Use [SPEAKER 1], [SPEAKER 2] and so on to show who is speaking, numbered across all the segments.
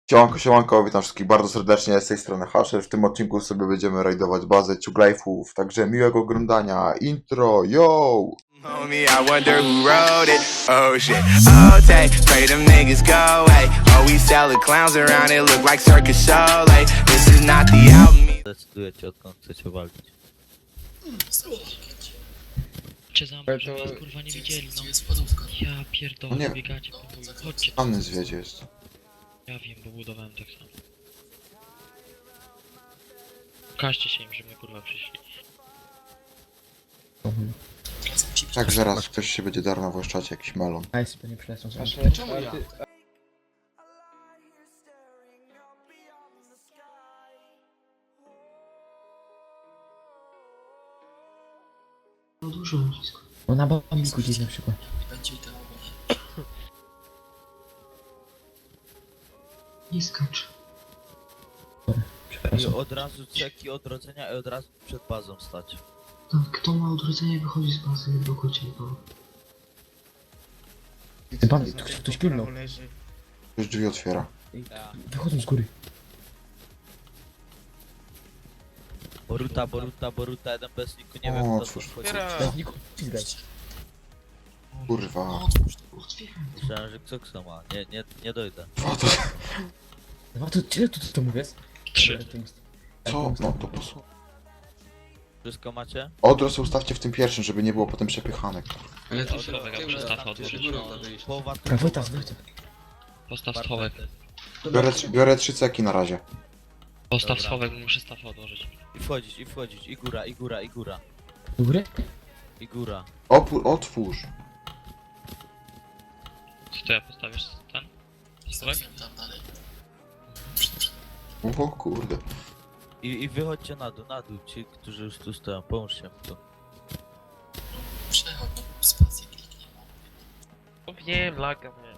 [SPEAKER 1] Siemanko, siemanko, witam wszystkich bardzo serdecznie, z tej strony Hasher. W tym odcinku sobie będziemy rajdować bazę Ciuglajfów, także miłego oglądania. Intro, yo!
[SPEAKER 2] Homie, I wonder who wrote it. Oh shit. Oh, take, pray them niggas go away. Oh, we sell the clowns around it, look like circus show. Like, this is not the album.
[SPEAKER 3] Decydujecie, odkąd chcecie walczyć.
[SPEAKER 4] Cię zamknę, żeby was kurwa nie widzieli, no. Ja pierdolę,
[SPEAKER 1] No nie.
[SPEAKER 4] biegacie po chuju. Chodźcie tu.
[SPEAKER 1] Anny zwiedzie jest.
[SPEAKER 4] Ja wiem, bo budowałem tak samo. Pokażcie się im, że my kurwa przyszli.
[SPEAKER 1] Tak, zaraz ktoś się będzie darmo właszczać, jakiś melon.
[SPEAKER 5] Nice, bo nie przylecą sobie.
[SPEAKER 6] Czemu ja?
[SPEAKER 7] No dużo wszystko.
[SPEAKER 5] No na bambiku gdzieś na przykład.
[SPEAKER 7] Będzie to nie skacz.
[SPEAKER 3] I
[SPEAKER 5] Przepraszam.
[SPEAKER 3] od razu ceki odrodzenia i od razu przed bazą stać.
[SPEAKER 7] Tak, kto ma odrodzenie wychodzi z bazy, nie blokujcie nikogo.
[SPEAKER 5] Ty bambik, tu ktoś pilnął.
[SPEAKER 1] Już drzwi otwiera.
[SPEAKER 5] Wychodzą z góry.
[SPEAKER 3] Boruta, jeden bez niku, nie wiem
[SPEAKER 1] O,
[SPEAKER 3] kto
[SPEAKER 1] cóż.
[SPEAKER 3] to wchodzi.
[SPEAKER 5] Bez niku ścigaj.
[SPEAKER 1] Kurwa.
[SPEAKER 7] Otwieram to.
[SPEAKER 3] Myślałem, że kto ma. Nie dojdę.
[SPEAKER 1] Co to?
[SPEAKER 5] No to ile tu mu jest?
[SPEAKER 4] 3.
[SPEAKER 1] Co? No to posłuchaj.
[SPEAKER 3] Wszystko macie?
[SPEAKER 1] Odrost ustawcie w tym pierwszym, żeby nie było potem przepychanek.
[SPEAKER 6] Ale
[SPEAKER 4] to się przestaw odłożyć.
[SPEAKER 3] Połowa tu.
[SPEAKER 5] Wojtas, Wojtas.
[SPEAKER 4] Postaw schowek.
[SPEAKER 1] Biorę 3 ceki na razie.
[SPEAKER 4] Postaw
[SPEAKER 3] Dobra.
[SPEAKER 4] schowek, bo muszę staw odłożyć.
[SPEAKER 3] I wchodzić. I góra.
[SPEAKER 5] Do góry?
[SPEAKER 3] I góra.
[SPEAKER 1] Otwórz.
[SPEAKER 4] Co to ja postawisz ten? Schowek?
[SPEAKER 1] O kurde.
[SPEAKER 3] I wychodźcie na dół, ci, którzy już tu stoją. Pomóżcie mi tu.
[SPEAKER 7] Przechodź, spację kliknij.
[SPEAKER 4] Wiem, laga mnie.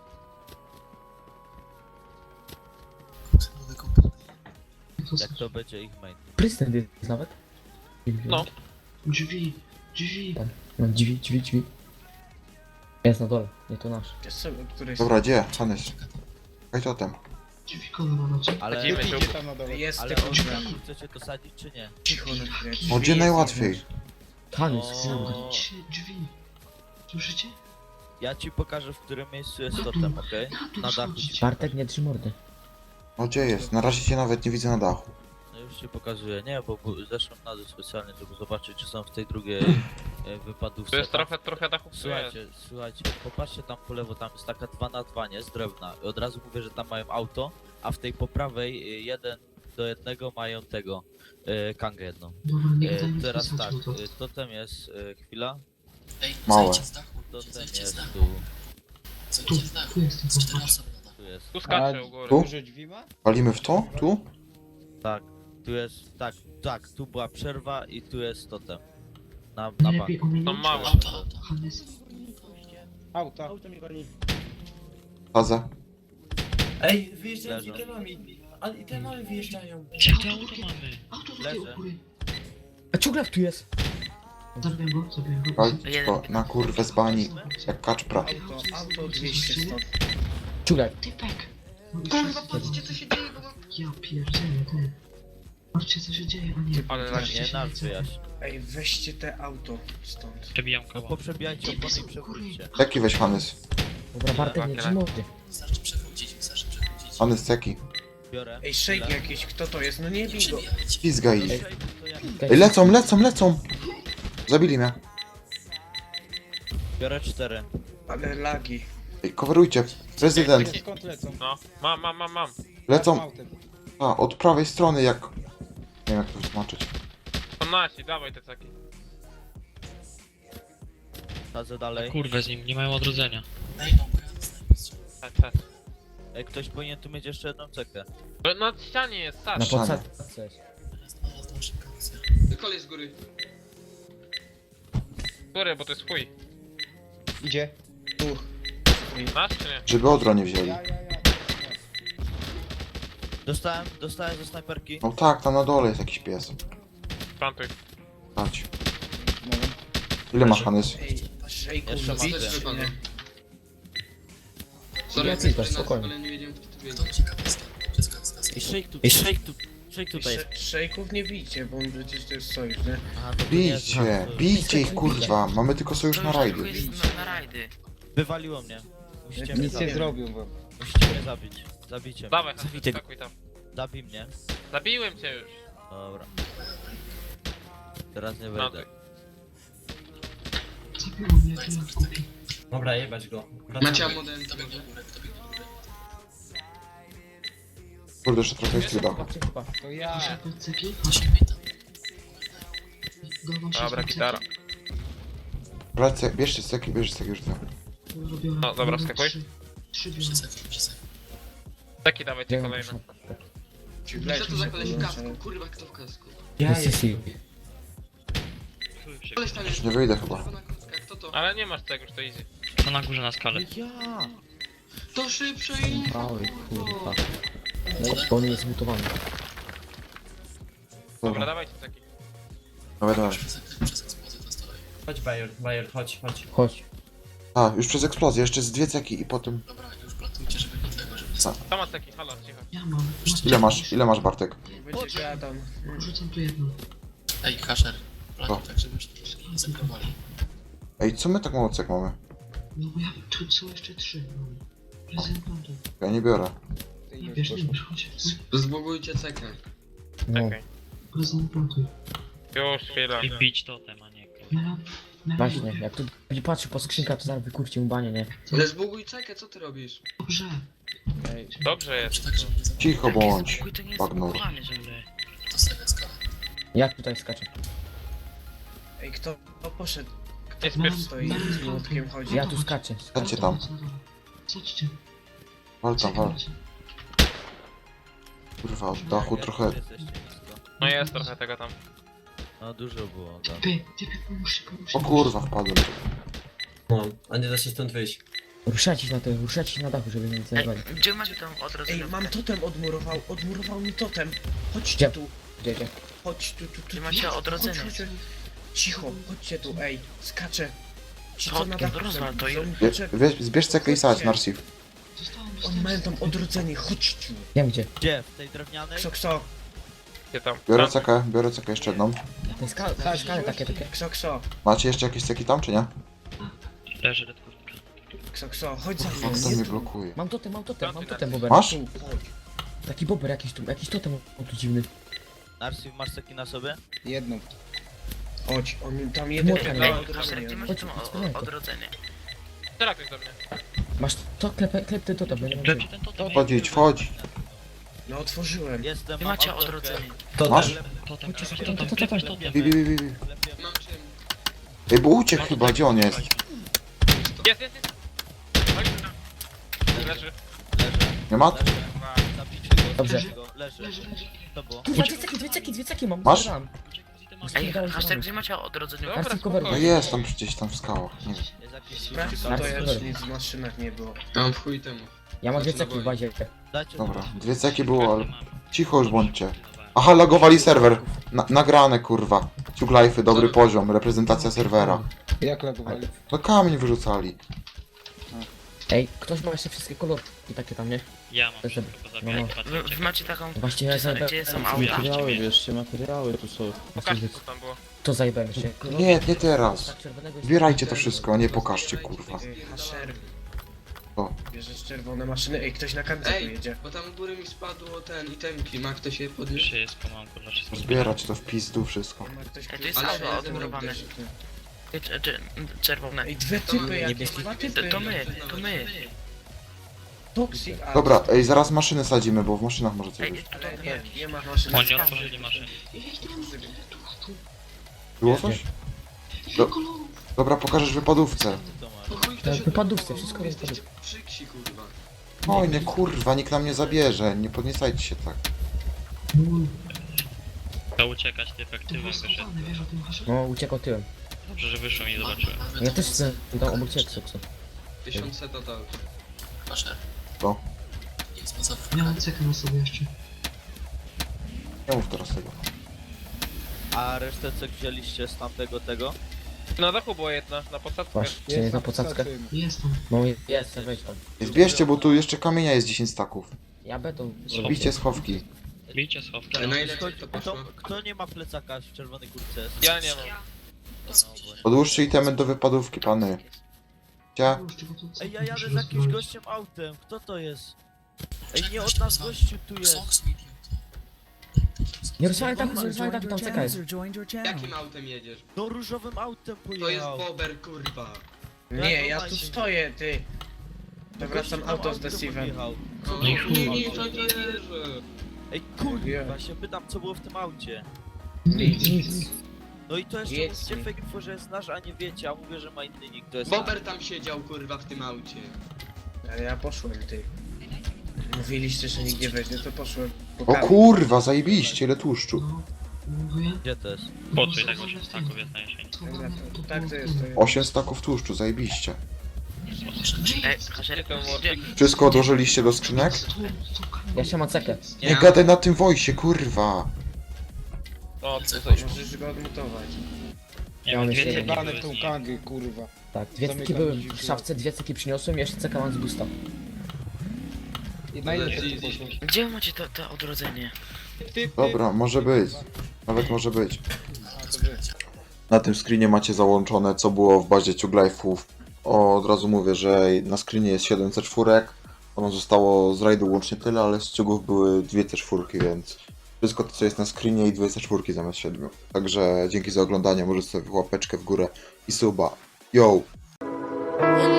[SPEAKER 7] Nowy komputer.
[SPEAKER 3] Jak to będzie ich main.
[SPEAKER 5] Prezydent jest nawet.
[SPEAKER 4] No.
[SPEAKER 7] Drzwi.
[SPEAKER 5] Tam. No drzwi. Jest na dole, nie to nasz.
[SPEAKER 1] Dobra, gdzie? Hanys. Kaj totem.
[SPEAKER 7] Drzwi kolor macie.
[SPEAKER 3] Ale,
[SPEAKER 4] Chodzimy się.
[SPEAKER 6] Jest
[SPEAKER 3] ale
[SPEAKER 6] tylko
[SPEAKER 3] od
[SPEAKER 6] drzwi.
[SPEAKER 3] razu chcecie to sadzić czy nie?
[SPEAKER 6] Cicho na chwilę.
[SPEAKER 1] O, gdzie najłatwiej?
[SPEAKER 5] Hanys,
[SPEAKER 3] O.
[SPEAKER 7] Drzwi. Słyszycie?
[SPEAKER 3] Ja ci pokażę, w którym miejscu jest totem, okej? Na dachu.
[SPEAKER 7] schodzić.
[SPEAKER 5] Bartek nie trzy mordy.
[SPEAKER 1] O, gdzie jest? Na razie cię nawet nie widzę na dachu.
[SPEAKER 3] No już ci pokazuję, nie, bo zeszłem na dół specjalnie, żeby zobaczyć, czy są w tej drugiej wypadówce.
[SPEAKER 8] To jest
[SPEAKER 3] Tam-
[SPEAKER 8] trochę dachów tu jest.
[SPEAKER 3] Słuchajcie, popatrzcie tam po lewo, tam jest taka 2 na 2, nie, z drewna. I od razu mówię, że tam mają auto, a w tej po prawej 1-1 mają tego, kangę jedną.
[SPEAKER 7] Dobra, niech daj mi
[SPEAKER 3] Teraz tak,
[SPEAKER 7] wysadzą to.
[SPEAKER 3] totem jest, chwila,
[SPEAKER 1] Małe.
[SPEAKER 3] totem jest tu,
[SPEAKER 7] Tu jestem, popatrz.
[SPEAKER 3] tu jest,
[SPEAKER 8] Tu skacze u góry.
[SPEAKER 1] Tu?
[SPEAKER 6] Dużo drzwi ma?
[SPEAKER 1] Walimy w to? Tu?
[SPEAKER 3] tak, tu jest, tak, tu była przerwa i tu jest totem. Na bank.
[SPEAKER 7] Najlepiej ominąć.
[SPEAKER 8] No małe.
[SPEAKER 7] Hannes.
[SPEAKER 6] Auta. Auto mi goni.
[SPEAKER 1] Fazę.
[SPEAKER 9] Ej, wyjeżdżają z
[SPEAKER 3] Leżą.
[SPEAKER 9] itemami. Ale itemami wyjeżdżają.
[SPEAKER 4] Jakie auto mamy?
[SPEAKER 7] Auto tutaj u
[SPEAKER 3] Leżę.
[SPEAKER 7] góry.
[SPEAKER 5] A ciuglak tu jest!
[SPEAKER 7] Zabiłem go.
[SPEAKER 1] Walić go na kurwę z bani, jak kaczpra.
[SPEAKER 6] Auto 200 stąd.
[SPEAKER 5] Ciuglak.
[SPEAKER 7] Typek. Kurwa, patrzcie co się dzieje, bo... Ja pierdzielę, ty. Patrzcie co się dzieje, a nie...
[SPEAKER 8] Ale
[SPEAKER 7] patrzcie
[SPEAKER 3] Nie,
[SPEAKER 7] się,
[SPEAKER 3] nasz
[SPEAKER 7] co-
[SPEAKER 3] wyjaśń.
[SPEAKER 6] Ej, weźcie te auto stąd.
[SPEAKER 4] Przebijam
[SPEAKER 3] No
[SPEAKER 4] koło.
[SPEAKER 3] poprzebijajcie
[SPEAKER 7] Typy
[SPEAKER 3] opony
[SPEAKER 7] są
[SPEAKER 3] i
[SPEAKER 7] u góry.
[SPEAKER 3] przewróćcie.
[SPEAKER 1] Ceki weź, Hanys.
[SPEAKER 5] Dobra, Bartek nie trzy mordy.
[SPEAKER 1] Hanys, ceki.
[SPEAKER 3] Biorę.
[SPEAKER 6] Ej, shake jakiś, kto to jest? No nie bij go.
[SPEAKER 1] Pizgaj ich.
[SPEAKER 3] Ej, to ja
[SPEAKER 1] Ej, lecą! Zabili mnie.
[SPEAKER 3] biorę 4.
[SPEAKER 6] Ale lagi.
[SPEAKER 1] Ej, coverujcie. Prezydent.
[SPEAKER 6] Skąd lecą?
[SPEAKER 8] No, mam.
[SPEAKER 1] Lecą. A, od prawej strony jak... Nie wiem jak to wytłumaczyć.
[SPEAKER 8] To nasi, dawaj te ceki.
[SPEAKER 3] Chodzę dalej.
[SPEAKER 4] Kurwę z nim, nie mają odrodzenia.
[SPEAKER 8] Tak.
[SPEAKER 3] Ej, ktoś powinien tu mieć jeszcze jedną cekę.
[SPEAKER 8] Na ścianie jest,
[SPEAKER 5] Na
[SPEAKER 8] Sasz.
[SPEAKER 5] podsadce jest.
[SPEAKER 9] Kolej z góry.
[SPEAKER 8] Góry, bo to jest chuj.
[SPEAKER 6] Idzie. Tu.
[SPEAKER 8] Nasz czy nie?
[SPEAKER 1] Żeby odro nie wzięli.
[SPEAKER 3] Dostałem ze snajperki.
[SPEAKER 1] No tak, tam na dole jest jakiś pies.
[SPEAKER 8] Plantuj.
[SPEAKER 1] Chodź. Ile masz, Hanys?
[SPEAKER 6] Ej, shake
[SPEAKER 3] Jeszcze mam
[SPEAKER 6] bić,
[SPEAKER 3] te.
[SPEAKER 6] czy nie?
[SPEAKER 9] Sorry,
[SPEAKER 5] Ja
[SPEAKER 9] jesteś
[SPEAKER 5] też,
[SPEAKER 9] przy nas,
[SPEAKER 5] spokojnie.
[SPEAKER 9] ale nie wiedziałem kto tu
[SPEAKER 7] Kto
[SPEAKER 9] wiedzie.
[SPEAKER 7] ci kapustę? Wszystko
[SPEAKER 3] I shake tutaj jest.
[SPEAKER 6] Szejków nie bijcie, bo on przecież to jest sojusz, nie?
[SPEAKER 3] Aha, to nie jest
[SPEAKER 1] Bijcie,
[SPEAKER 3] sojusz.
[SPEAKER 1] bijcie ich kurwa, mamy tylko sojusz na rajdy.
[SPEAKER 4] Na rajdy.
[SPEAKER 3] Wywaliło mnie. Musicie mnie
[SPEAKER 6] Nic nie
[SPEAKER 3] zabić.
[SPEAKER 6] zrobił wam.
[SPEAKER 3] Musicie mnie zabić. Zabijcie mnie.
[SPEAKER 8] Dawaj,
[SPEAKER 3] Zabijcie go.
[SPEAKER 8] skakuj tam.
[SPEAKER 3] Zabij mnie.
[SPEAKER 8] Zabiłem cię już.
[SPEAKER 3] Dobra. Teraz nie
[SPEAKER 8] No,
[SPEAKER 3] wejdę.
[SPEAKER 7] Zabiło mnie, jak nie kupi.
[SPEAKER 9] Dobra, jebać go.
[SPEAKER 7] Macie model,
[SPEAKER 1] Kurde, jeszcze trochę jest chwila.
[SPEAKER 6] To ja.
[SPEAKER 7] Masz ceki?
[SPEAKER 8] Dobra, gitara.
[SPEAKER 1] Bierzcie, bierzcie steki już tam.
[SPEAKER 8] No, dobra, wskakuj.
[SPEAKER 7] 3 biorę.
[SPEAKER 8] Taki dawajcie kolejne.
[SPEAKER 7] Co to za koleś w kasku? Kurwa, kto w kasku?
[SPEAKER 9] Ja
[SPEAKER 5] Sisi.
[SPEAKER 7] Koleś tam jest.
[SPEAKER 1] Już nie wyjdę chyba.
[SPEAKER 7] Czerwona kurtka, kto to?
[SPEAKER 8] Ale nie masz tego, już to easy.
[SPEAKER 4] To na górze na skalę.
[SPEAKER 7] To szybsze i...
[SPEAKER 5] Mały, kurwa. No, bo on jest zmutowany.
[SPEAKER 8] Dobra,
[SPEAKER 1] Dobra,
[SPEAKER 8] dawajcie taki.
[SPEAKER 1] dawaj.
[SPEAKER 9] Chodź Bayer, chodź.
[SPEAKER 5] Chodź.
[SPEAKER 1] A, już przez eksplozję, jeszcze z 2 ceki i potem...
[SPEAKER 8] To ma taki, halo, cicho.
[SPEAKER 7] Ja mam.
[SPEAKER 1] Ile masz Bartek?
[SPEAKER 6] Będzie gadam.
[SPEAKER 7] Rzucam tu jedno.
[SPEAKER 10] Ej, Kaszer.
[SPEAKER 1] Co?
[SPEAKER 10] Tak, żebyś nie zlikowali.
[SPEAKER 1] Ej, co my tak mało cek mamy?
[SPEAKER 7] No bo ja tu są jeszcze 3. Prezentantu.
[SPEAKER 1] Ja nie biorę.
[SPEAKER 7] Nie bierz, chodź.
[SPEAKER 10] Zbogujcie cekę.
[SPEAKER 5] No.
[SPEAKER 8] Okej.
[SPEAKER 7] Prezentantu.
[SPEAKER 8] Już, chwila.
[SPEAKER 4] I bić totem, a nie.
[SPEAKER 7] Na
[SPEAKER 5] Właśnie, jak tu będzie patrzył po skrzynkach, to zaraz wykurcie mu banie, nie?
[SPEAKER 10] Ale zbuguj cekę, co ty robisz?
[SPEAKER 7] Dobrze.
[SPEAKER 8] Dobrze jest.
[SPEAKER 10] Tak, żeby nie zabić.
[SPEAKER 1] Cicho bądź.
[SPEAKER 4] Spokój, to nie jest
[SPEAKER 1] Bagnur.
[SPEAKER 4] zblokowane, żeby...
[SPEAKER 10] To sobie skala.
[SPEAKER 5] Jak tutaj skacze?
[SPEAKER 6] Ej, kto poszedł?
[SPEAKER 8] Nie
[SPEAKER 6] Kto
[SPEAKER 8] spiesz.
[SPEAKER 6] stoi z młotkiem chodzi?
[SPEAKER 5] Ja tu skaczę.
[SPEAKER 1] Stańcie tam.
[SPEAKER 7] Chodźcie.
[SPEAKER 1] Wal tam, wal. Kurwa, od dachu trochę...
[SPEAKER 3] Jesteście nisko.
[SPEAKER 8] No jest trochę tego tam.
[SPEAKER 3] No dużo było, tak.
[SPEAKER 7] Ty, pomóżcie.
[SPEAKER 1] O kurwa, wpadłem.
[SPEAKER 9] No, a nie da się stąd wyjść.
[SPEAKER 5] Ruszać się na dachu, żeby mnie nie zajebali.
[SPEAKER 4] Gdzie macie tam odrodzenie?
[SPEAKER 6] Ej, mam totem odmurował mi totem. Chodźcie
[SPEAKER 5] Gdzie?
[SPEAKER 6] tu,
[SPEAKER 5] Gdzie?
[SPEAKER 6] chodź tu.
[SPEAKER 4] Gdzie macie odrodzenie?
[SPEAKER 6] Chodź. Cicho, chodźcie tu, ej, skaczę. Ci
[SPEAKER 4] To
[SPEAKER 6] co na dachu
[SPEAKER 4] rozwal to
[SPEAKER 6] są
[SPEAKER 4] i-
[SPEAKER 6] mi potrzebni.
[SPEAKER 1] Zbierz cekę i sadź, Narsif.
[SPEAKER 6] Oni mają tam odrodzenie, chodźcie.
[SPEAKER 5] Wiem gdzie.
[SPEAKER 3] Gdzie? W tej drewnianej?
[SPEAKER 6] Kso.
[SPEAKER 8] Gdzie tam?
[SPEAKER 1] Biorę cekę jeszcze jedną.
[SPEAKER 5] Te skale takie.
[SPEAKER 6] Kso.
[SPEAKER 1] Macie jeszcze jakieś ceki tam, czy nie?
[SPEAKER 4] Leży red kurtka.
[SPEAKER 6] Kso, chodź za
[SPEAKER 1] Kurwa,
[SPEAKER 6] mną.
[SPEAKER 1] kto mnie blokuje?
[SPEAKER 5] Mam totem, bober.
[SPEAKER 1] Masz?
[SPEAKER 6] Tu, chodź.
[SPEAKER 5] Taki bober jakiś totem, on tu dziwny.
[SPEAKER 3] Narsif, masz taki na sobie?
[SPEAKER 6] Jedną. Chodź, on tam jeden
[SPEAKER 5] Młotka nie
[SPEAKER 6] ma
[SPEAKER 5] ma.
[SPEAKER 6] odrodzenie.
[SPEAKER 4] Gdzie
[SPEAKER 6] no.
[SPEAKER 4] macie tam odrodzenie?
[SPEAKER 8] Teraz ktoś do mnie.
[SPEAKER 5] Masz to, klep ten totem, bo ja nie mam
[SPEAKER 4] Klepcie
[SPEAKER 5] czym.
[SPEAKER 4] ten totem.
[SPEAKER 1] Wchodzić, wchodź.
[SPEAKER 6] No otworzyłem.
[SPEAKER 3] Jestem,
[SPEAKER 4] Gdzie
[SPEAKER 3] mam
[SPEAKER 4] macie
[SPEAKER 3] autorkę.
[SPEAKER 4] odrodzenie?
[SPEAKER 1] Masz?
[SPEAKER 4] Totem,
[SPEAKER 5] Chodź,
[SPEAKER 4] totem,
[SPEAKER 5] to.
[SPEAKER 4] klepiesz totem.
[SPEAKER 1] Bi.
[SPEAKER 10] Mam czym?
[SPEAKER 1] Ej, bo uciekł chyba, gdzie on jest?
[SPEAKER 8] Jest. Chodź tu. Leży.
[SPEAKER 1] Nie ma?
[SPEAKER 3] Leży. Zabijcie go,
[SPEAKER 5] Dobrze.
[SPEAKER 3] zabijcie go. Leży. To było.
[SPEAKER 5] Kurwa, dwie ceki mam.
[SPEAKER 1] Masz?
[SPEAKER 5] Zbierałem.
[SPEAKER 4] Ej, Hashtag, gdzie macie odrodzenie?
[SPEAKER 8] Dobra,
[SPEAKER 5] Karty cover.
[SPEAKER 1] No
[SPEAKER 8] spokojnie.
[SPEAKER 1] jest tam gdzieś tam w skałach. Nie wiem.
[SPEAKER 3] Jest jakiś
[SPEAKER 6] Sprawdź co to
[SPEAKER 5] Narsif,
[SPEAKER 6] jest,
[SPEAKER 5] dobra.
[SPEAKER 6] nic w maszynach nie było.
[SPEAKER 10] Ja mam w chuj temu.
[SPEAKER 5] Ja mam dwie ceki w bazie.
[SPEAKER 3] Dajcie
[SPEAKER 1] Dobra, 2 ceki było, ale... Cicho już bądźcie. Aha, lagowali serwer. Nagrane, kurwa. Ciuglajfy, dobry poziom, reprezentacja serwera.
[SPEAKER 6] Jak lagowali?
[SPEAKER 1] No kamień wyrzucali.
[SPEAKER 5] Ej, ktoś ma jeszcze wszystkie kolorki takie tam, nie?
[SPEAKER 4] Ja mam
[SPEAKER 5] To żeby-
[SPEAKER 4] wszystko
[SPEAKER 5] no, no.
[SPEAKER 4] zabijać. Wy macie taką...
[SPEAKER 5] Właśnie ja zajebałem.
[SPEAKER 4] Gdzie są auta?
[SPEAKER 9] materiały tu są.
[SPEAKER 8] Pokażcie co tam było.
[SPEAKER 5] To zajebałem jeszcze.
[SPEAKER 1] Nie teraz.
[SPEAKER 5] Tak, czerwonego jest-
[SPEAKER 1] Zbierajcie to wszystko, nie pokażcie, kurwa.
[SPEAKER 6] Hasher.
[SPEAKER 1] O.
[SPEAKER 6] Bierzesz czerwone maszyny. Ej, ktoś na kamień
[SPEAKER 10] Ej,
[SPEAKER 6] jedzie.
[SPEAKER 10] bo tam u góry mi spadło ten itemki. Ma ktoś je podnieść?
[SPEAKER 4] Jeszcze jest pomanko dla wszystkich.
[SPEAKER 1] Zbierać to w pizdu wszystko.
[SPEAKER 6] Ma ktoś
[SPEAKER 4] Ej, to jest
[SPEAKER 10] Ale
[SPEAKER 4] auto
[SPEAKER 10] ja
[SPEAKER 4] odmurowane. Czerwone.
[SPEAKER 6] Ej, dwie typy jakieś,
[SPEAKER 5] Niebieskie.
[SPEAKER 6] dwa typy.
[SPEAKER 4] To my.
[SPEAKER 6] Toxic, a...
[SPEAKER 1] Dobra, ej, zaraz maszyny sadzimy, bo w maszynach może coś
[SPEAKER 4] Ej,
[SPEAKER 1] być.
[SPEAKER 6] Ale nie ma maszyn.
[SPEAKER 4] Oni otworzyli maszynę.
[SPEAKER 1] Było coś? Dobra, pokażesz wypadówce.
[SPEAKER 3] to masz.
[SPEAKER 10] Po chuj
[SPEAKER 5] Tak,
[SPEAKER 10] ktoś
[SPEAKER 5] wypadówce, wszystko
[SPEAKER 10] Jesteście
[SPEAKER 5] wypadówce.
[SPEAKER 10] przyksi, kurwa.
[SPEAKER 1] Oj, nie kurwa, nikt nam nie zabierze, nie podniecajcie się tak.
[SPEAKER 4] To uciekać, ty efektywem wyszedł.
[SPEAKER 7] Wiesz o tym haszu?
[SPEAKER 5] No, uciekał tyłem.
[SPEAKER 4] Dobrze, że wyszło i zobaczyłem.
[SPEAKER 5] Ja też chcę tam obok ciebie co.
[SPEAKER 10] 1000 total. Kaszer.
[SPEAKER 1] Co?
[SPEAKER 7] Miałem cekę na sobie jeszcze.
[SPEAKER 1] Nie mów teraz tego.
[SPEAKER 3] A resztę co wzięliście z tamtego tego?
[SPEAKER 8] Na dachu była jedna, na podstawce.
[SPEAKER 5] Masz, czy nie na posadzkę?
[SPEAKER 7] Jestem.
[SPEAKER 5] No jest, weź tam.
[SPEAKER 1] Zbierzcie, bo tu jeszcze kamienia jest 10 staków.
[SPEAKER 5] Ja beton.
[SPEAKER 1] Bicie schowki.
[SPEAKER 4] Bijcie schowki.
[SPEAKER 10] Najlepiej to poszło.
[SPEAKER 3] Kto nie ma plecaka w czerwonej kurtce?
[SPEAKER 8] Ja nie mam.
[SPEAKER 1] Odłóżcie itemy do wypadówki, pany. Gdzie?
[SPEAKER 3] Ej, ja jadę z jakimś gościem autem, kto to jest? Ej, nie od nas gościu tu jest.
[SPEAKER 5] Nie rozwalaj tak, tam czekaj.
[SPEAKER 10] Jakim autem jedziesz?
[SPEAKER 3] No różowym autem
[SPEAKER 10] To jest
[SPEAKER 3] pojechał.
[SPEAKER 10] bober, kurwa.
[SPEAKER 6] Nie, ja tu stoję, ty. To wracam auto z Deceivem.
[SPEAKER 3] pojechał.
[SPEAKER 10] Nie, to nie wierzę.
[SPEAKER 3] Ej, kurwa, się pytam co było w tym aucie.
[SPEAKER 6] Nic.
[SPEAKER 3] No i to jeszcze
[SPEAKER 6] Jedź
[SPEAKER 3] mówicie
[SPEAKER 6] mi.
[SPEAKER 3] fake info, że jest nasz, a nie wiecie, a mówię, że ma inny nick, to jest
[SPEAKER 10] Bober tam siedział, kurwa, w tym aucie.
[SPEAKER 6] Ale ja poszłem, ty. Mówiliście, że nikt nie weźmie, to poszłem. po
[SPEAKER 1] O
[SPEAKER 6] kamień.
[SPEAKER 1] kurwa, zajebiście, ile tłuszczu.
[SPEAKER 10] Mówię?
[SPEAKER 3] Gdzie to jest?
[SPEAKER 4] Po co i tak 8 staków jest na jesień?
[SPEAKER 6] Dobra, to tak to jest. To jest.
[SPEAKER 1] 8 staków tłuszczu, zajebiście.
[SPEAKER 8] Gdzie ten Warwick?
[SPEAKER 1] Wszystko odłożyliście do skrzynek?
[SPEAKER 5] Ja się mam cekę.
[SPEAKER 1] Nie gadaj na tym wojsie, kurwa.
[SPEAKER 8] O, to coś.
[SPEAKER 6] Możesz go odmutować.
[SPEAKER 4] Nie mam dwie ceki
[SPEAKER 11] Jebane
[SPEAKER 4] były
[SPEAKER 11] tą
[SPEAKER 4] z nim.
[SPEAKER 11] kangę, kurwa.
[SPEAKER 5] Tak, dwie ceki były w szafce, dwie ceki przyniosłem, jeszcze ceka mam z gusta.
[SPEAKER 11] Na ile
[SPEAKER 10] Ale
[SPEAKER 11] to
[SPEAKER 10] easy.
[SPEAKER 11] poszło?
[SPEAKER 4] Gdzie macie to odrodzenie?
[SPEAKER 1] Dobra, może być. Nawet może być.
[SPEAKER 11] A, to wy.
[SPEAKER 1] Na tym screenie macie załączone, co było w bazie Ciuglife'ów. Od razu mówię, że na screenie jest 7 C4. Ono zostało z rajdu łącznie tyle, ale z ciugów były 2 C4, więc wszystko to, co jest na screenie i 2 C4 zamiast 7. Także dzięki za oglądanie, możecie sobie łapeczkę w górę i suba. Yo!
[SPEAKER 2] And